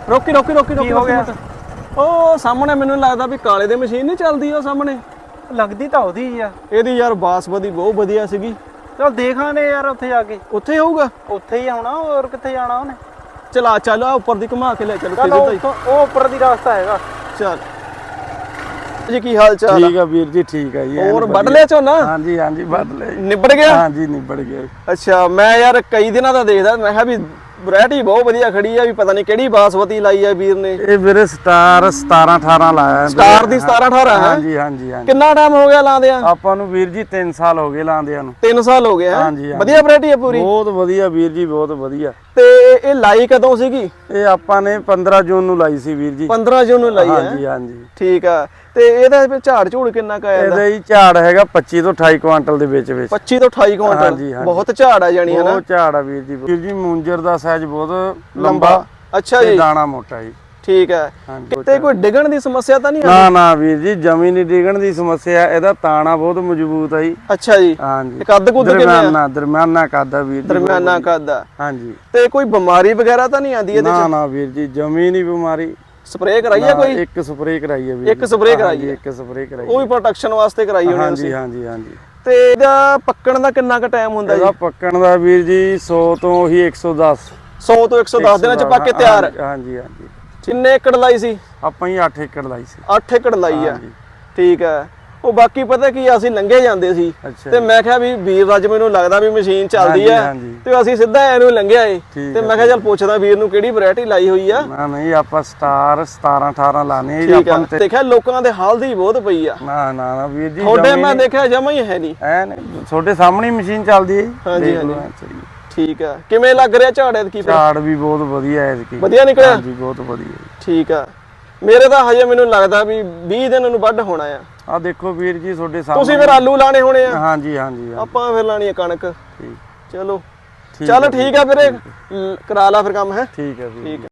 ਰੋਕੀ ਰੋਕੀ ਰੋਕੀ ਰੋਕੀ ਹੋ ਗਿਆ। ਉਹ ਸਾਹਮਣੇ ਮੈਨੂੰ ਲੱਗਦਾ ਵੀ ਕਾਲੇ ਦੀ ਮਸ਼ੀਨ ਨਹੀਂ ਚੱਲਦੀ ਉਹ ਸਾਹਮਣੇ ਲੱਗਦੀ ਤਾਂ ਉਹਦੀ ਆ। ਇਹਦੀ ਯਾਰ ਬਾਸਮਤੀ ਬਹੁਤ ਵਧੀਆ ਸੀਗੀ। ਚਲ ਦੇਖਾਂਗੇ ਯਾਰ ਉੱਥੇ ਜਾ ਕੇ। ਉੱਥੇ ਹੋਊਗਾ, ਉੱਥੇ ਹੀ ਆਉਣਾ, ਹੋਰ ਕਿੱਥੇ ਜਾਣਾ ਉਹਨੇ। ਚਲਾ ਚੱਲ ਉੱਪਰ ਦੀ ਘੁਮਾ ਕੇ ਲੈ ਚੱਲ। ਉਹ ਉੱਪਰ ਦੀ ਰਸਤਾ ਹੈਗਾ। ਚੱਲ ਜੀ, ਕੀ ਹਾਲ ਚਾਲ? ਠੀਕ ਆ ਵੀਰ ਜੀ, ਠੀਕ ਆ ਜੀ। ਹੋਰ ਵੱਢ ਲਿਆ ਝੋਨਾ? ਹਾਂਜੀ ਹਾਂਜੀ ਵੱਢ ਲਿਆ। ਨਿਬੜ ਗਿਆ? ਹਾਂਜੀ ਨਿਬੜ ਗਿਆ। ਅੱਛਾ, ਮੈਂ ਯਾਰ ਕਈ ਦਿਨਾਂ ਦਾ ਦੇਖਦਾ, ਮੈਂ ਕਿਹਾ ਵੀ ਵੈਰਾਈਟੀ ਬਹੁਤ ਵਧੀਆ ਖੜੀ ਆ, ਵੀ ਪਤਾ ਨਹੀਂ ਕਿਹੜੀ ਬਾਸਮਤੀ ਲਾਈ ਆ ਵੀਰ ਨੇ। ਇਹ ਵੀਰੇ ਸਟਾਰ 17 18 ਲਾਇਆ। ਸਟਾਰ ਦੀ 17 18 ਹੈ? ਹਾਂਜੀ ਹਾਂਜੀ ਹਾਂਜੀ। ਕਿੰਨਾ ਟਾਈਮ ਹੋ ਗਿਆ ਲਾਉਂਦਿਆਂ? ਆਪਾਂ ਨੂੰ ਵੀਰ ਜੀ 3 ਸਾਲ ਹੋ ਗਏ ਲਾਉਂਦਿਆਂ ਨੂੰ। 3 ਸਾਲ ਹੋ ਗਏ ਹੈ? ਹਾਂਜੀ ਵਧੀਆ ਵੈਰਾਈਟੀ ਆ ਪੂਰੀ? ਬਹੁਤ ਵਧੀਆ ਵੀਰ ਜੀ, ਬਹੁਤ ਵਧੀਆ। ਤੇ ਇਹ ਲਾਈ ਕਦੋਂ ਸੀਗੀ? ਇਹ ਆਪਾਂ ਨੇ 15 ਜੂਨ ਨੂੰ ਲਾਈ ਸੀ ਵੀਰ ਜੀ। 15 ਜੂਨ ਨੂੰ ਲਾਈ ਹੈ? ਹਾਂਜੀ ਹਾਂਜੀ। ਠੀਕ ਆ। ਤੇ ਇਹਦਾ ਫਿਰ ਝਾੜ ਝੂੜ ਕਿੰਨਾ ਕ ਆਇਆ? ਇਹਦਾ ਹੀ ਝਾੜ ਹੈਗਾ 25 ਤੋਂ 28 ਕੁਆਂਟਲ ਦੇ ਵਿੱਚ। 25 ਤੋਂ 28 ਕੁਇੰਟਲ? ਹਾਂਜੀ, ਹਾਂਜੀ। ਬਹੁਤ ਝਾੜ ਆ ਜਾਣੀ ਹੈ ਨਾ? ਬਹੁਤ ਝਾੜ ਆ ਵੀਰ ਜੀ। ਵੀਰ ਜੀ ਮੂੰਜਰ ਦਾ ਸਾਈਜ਼ ਬਹੁਤ ਲੰਬਾ। ਅੱਛਾ ਤੇ ਜੀ, ਦਾਣਾ ਮੋਟਾ ਜੀ। ਠੀਕ ਹੈ। ਕਿਤੇ ਕੋਈ ਡਿੱਗਣ ਦੀ ਸਮੱਸਿਆ ਤਾਂ ਨਹੀਂ ਨਾ ਨਾ ਵੀਰ ਜੀ, ਜਮੀ ਨਹੀਂ ਡਿੱਗਣ ਦੀ ਸਮੱਸਿਆ। ਇਹਦਾ ਤਾਣਾ ਬਹੁਤ ਮਜ਼ਬੂਤ ਆ ਜੀ। ਅੱਛਾ ਜੀ। ਹਾਂਜੀ। ਕੱਦ ਕੁੱਦ ਕਿੰਨਾ? ਦਰਮਿਆਨਾ ਕੱਦ ਆ ਵੀਰ ਜੀ। ਦਰਮਿਆਨਾ ਕੱਦ ਆ। ਹਾਂਜੀ। ਤੇ ਕੋਈ ਬਿਮਾਰੀ ਵਗੈਰਾ ਤਾਂ ਨਹੀਂ ਆਂਦੀ ਇਹਦੇ ਚ? ਨਾ ਨਾ ਵੀਰ ਜੀ, ਜਮੀ ਨਹੀਂ ਬਿਮਾਰੀ। ਸਪਰੇਅ ਕਰਾਈ ਆ ਕੋਈ? ਇੱਕ ਸਪਰੇਅ ਕਰਾਈ ਆ ਵੀਰ। ਇੱਕ ਸਪਰੇਅ ਕਰਾਈ ਆ? ਇੱਕ ਸਪਰੇਅ ਕਰਾਈ। ਉਹ ਵੀ ਪ੍ਰੋਟੈਕਸ਼ਨ ਵਾਸਤੇ ਕਰਾਈ ਹੋਣੀ ਹਾਂਜੀ ਤੁਸੀਂ? ਹਾਂਜੀ ਹਾਂਜੀ। ਤੇ ਇਹਦਾ ਪੱਕਣ ਦਾ ਕਿੰਨਾ ਕ ਟਾਈਮ ਹੁੰਦਾ ਜੀ? ਇਹਦਾ ਪੱਕਣ ਦਾ ਵੀਰ ਜੀ 100 ਤੋਂ ਹੀ 110। 100 ਤੋਂ 110 ਦਿਨਾਂ ਚ ਪੱਕ ਕੇ ਤਿਆਰ? ਹਾਂਜੀ ਹਾਂਜੀ। ਕਿੰਨੇ ਏਕੜ ਲਾਈ ਸੀ? ਆਪਾਂ ਹੀ 8 ਏਕੜ ਲਾਈ ਸੀ। 8 ਏਕੜ ਲਾਈ ਆ? ਹਾਂਜੀ। ਠੀਕ ਹੈ। ਉਹ ਬਾਕੀ ਪਤਾ ਕੀ ਅਸੀਂ ਲੰਘੇ ਜਾਂਦੇ ਸੀ ਅੱਛਾ ਤੇ ਮੈਂ ਕਿਹਾ ਵੀ ਵੀਰ ਅੱਜ ਮੈਨੂੰ ਲੱਗਦਾ ਵੀ ਮਸ਼ੀਨ ਚੱਲਦੀ ਆ, ਹਾਂਜੀ। ਤੇ ਅਸੀਂ ਸਿੱਧਾ ਇਹਨੂੰ ਲੰਘਿਆ ਏ। ਠੀਕ ਤੇ ਮੈਂ ਕਿਹਾ ਚੱਲ ਪੁੱਛਦਾ ਵੀਰ ਨੂੰ ਕਿਹੜੀ ਵੈਰਾਈਟੀ ਲਾਈ ਹੋਈ ਆ। ਨਾ ਨਹੀਂ, ਆਪਾਂ ਸਟਾਰ 17 18 ਲਾਣੇ ਜੀ ਠੀਕ ਆ। ਆਪਾਂ। ਦੇਖਿਆ ਲੋਕਾਂ ਦੇ ਹਾਲ ਦੀ ਬਹੁਤ ਪਈ ਆ। ਨਾ ਨਾ ਨਾ ਵੀਰ ਜੀ, ਤੁਹਾਡੇ ਮੈਂ ਦੇਖਿਆ ਜਮਾ ਹੀ ਹੈ ਨਹੀਂ। ਐਨ ਤੁਹਾਡੇ ਸਾਹਮਣੇ ਹੀ ਮਸ਼ੀਨ ਚੱਲਦੀ ਹੈ। ਹਾਂਜੀ ਹਾਂਜੀ। ਠੀਕ ਆ। ਕਿਵੇਂ ਲੱਗ ਰਿਹਾ ਝਾੜ ਐਤਕੀ? ਝਾੜ ਵੀ ਬਹੁਤ ਵਧੀਆ ਹੈ ਐਤਕੀ। ਵਧੀਆ ਨਿਕਲਿਆ? ਹਾਂਜੀ ਬਹੁਤ ਵਧੀਆ। ਠੀਕ ਆ। ਮੇਰੇ ਤਾਂ ਹਜੇ ਮੈਨੂੰ ਲੱਗਦਾ ਵੀ 20 ਦਿਨ ਨੂੰ ਵੱਢ ਹੋਣਾ ਆ। ਆ ਦੇਖੋ ਵੀਰ ਜੀ ਤੁਹਾਡੇ ਸਾਹਮਣੇ। ਤੁਸੀਂ ਫਿਰ ਆਲੂ ਲਾਣੇ ਹੋਣੇ ਆ? ਹਾਂਜੀ ਹਾਂਜੀ। ਆਪਾਂ ਫਿਰ ਲਾਣੀ ਆ ਕਣਕ। ਠੀਕ। ਚਲੋ ਚੱਲ ਠੀਕ ਆ ਫਿਰ, ਕਰਾ ਲਾ ਫਿਰ ਕੰਮ। ਹੈ ਠੀਕ ਹੈ ਵੀਰ। ਠੀਕ ਆ।